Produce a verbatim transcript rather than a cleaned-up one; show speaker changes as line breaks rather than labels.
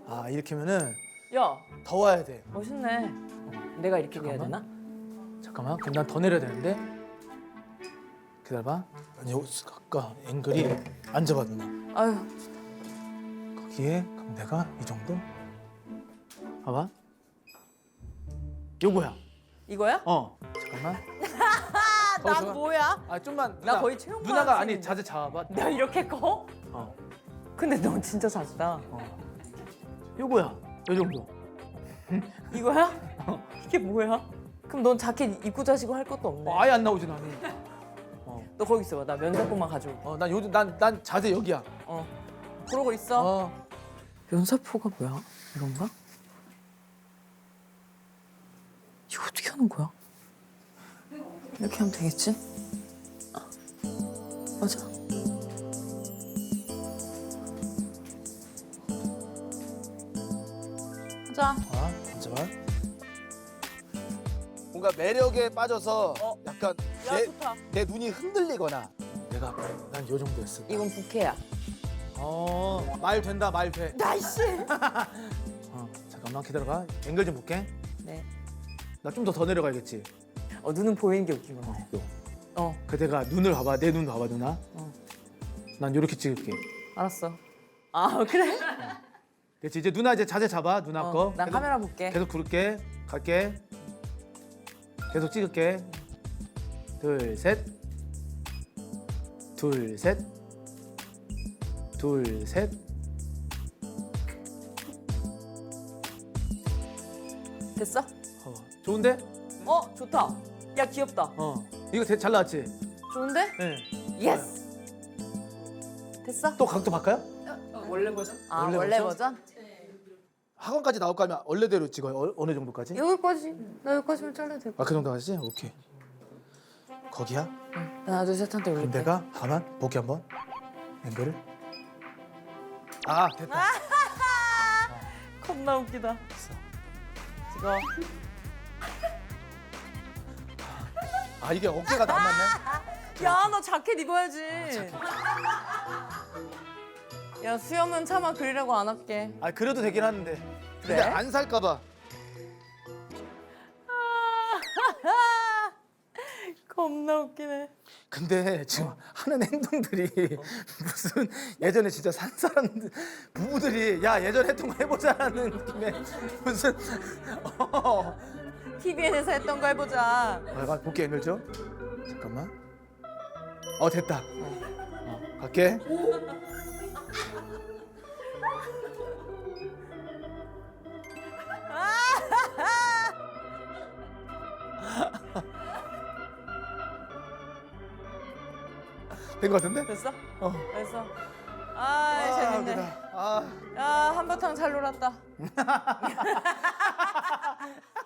아 이렇게 하면은
야,
더 와야 돼.
멋있네. 내가 이렇게 해야 되나?
잠깐만. 그럼 난 더 내려야 되는데. 기다려봐. 아니 요 아까 앵글이 안 잡아 누나.
아유,
거기에 그럼 내가 이 정도. 봐봐. 요거야.
이거야?
어. 잠깐만.
아, 나
잠깐.
뭐야?
아 좀만.
나 거의 체육
누나가 아니
학생인데.
자세 잡아봐.
내가 이렇게 커?
어.
근데 넌 진짜 작다.
어. 요거야. 요 정도.
이거야? 이게 뭐야? 그럼 넌 자켓 입고 자시고 할 것도 없네.
어, 아예 안 나오지 나는. 어.
너 거기 있어봐. 나 면사포만 가져올게.
어, 난 요즘 난 난 자세 여기야.
어. 그러고 있어.
어.
면사포가 뭐야? 이건가? 이거 어떻게 하는 거야? 이렇게 하면 되겠지? 아, 맞아? 하자.
아, 잠깐만. 뭔가 매력에 빠져서
어.
약간
야,
내,
좋다.
내 눈이 흔들리거나 내가 난 요 정도 했어.
이건 부캐야.
어, 말 된다, 말 돼.
나이스.
어, 잠깐만 기다려봐. 앵글 좀 볼게.
네.
나 좀 더 더 내려가야겠지.
어, 눈은 보이는 게 웃기구나.
요.
어,
그대가 눈을 봐봐. 내 눈 봐봐, 누나.
어.
난 요렇게 찍을게.
알았어. 아, 그래?
됐지? 이제 누나 이제 자세 잡아. 누나
어,
거.
난
계속-
카메라 볼게.
계속 부를게. 갈게. 계속 찍을게. 둘, 셋. 둘, 셋. 둘, 셋.
됐어?
어, 좋은데?
어, 좋다. 야, 귀엽다.
어. 이거 되- 잘 나왔지?
좋은데?
네.
예스. 됐어?
또 각도 바꿔요?
원래 버전? 아,
원래
원래,
버전?
버전?
학원까지 나올 거면 원래대로 찍어요. 어, 어느 정도까지?
여기까지. 나 여기까지만 잘라도 돼.
아, 그 정도 하지? 오케이. 거기야?
하나, 둘, 셋 한테
그럼
올릴게.
내가 가만 보기 한번. 앵글을. 아, 됐다.
겁나 웃기다.
됐어.
이거.
아, 이게 어깨가 남았네.
야, 너 자켓 입어야지. 야, 수염은 차마 그리려고 안 할게.
아, 그래도 되긴 하는데. 근데
그래?
안 살까 봐.
겁나 웃기네.
근데 지금 하는 행동들이 무슨 예전에 진짜 산 사람들 부부들이 야 예전에 했던 거 해보자라는 느낌의 무슨 어.
티비엔에서 했던 거 해보자.
아, 볼게 앵글 좀. 잠깐만. 어 됐다. 어, 갈게. 된 거 같은데?
됐어?
어.
됐어. 아,
아,
재밌네.
웃기다. 아.
야, 한바탕 잘 놀았다.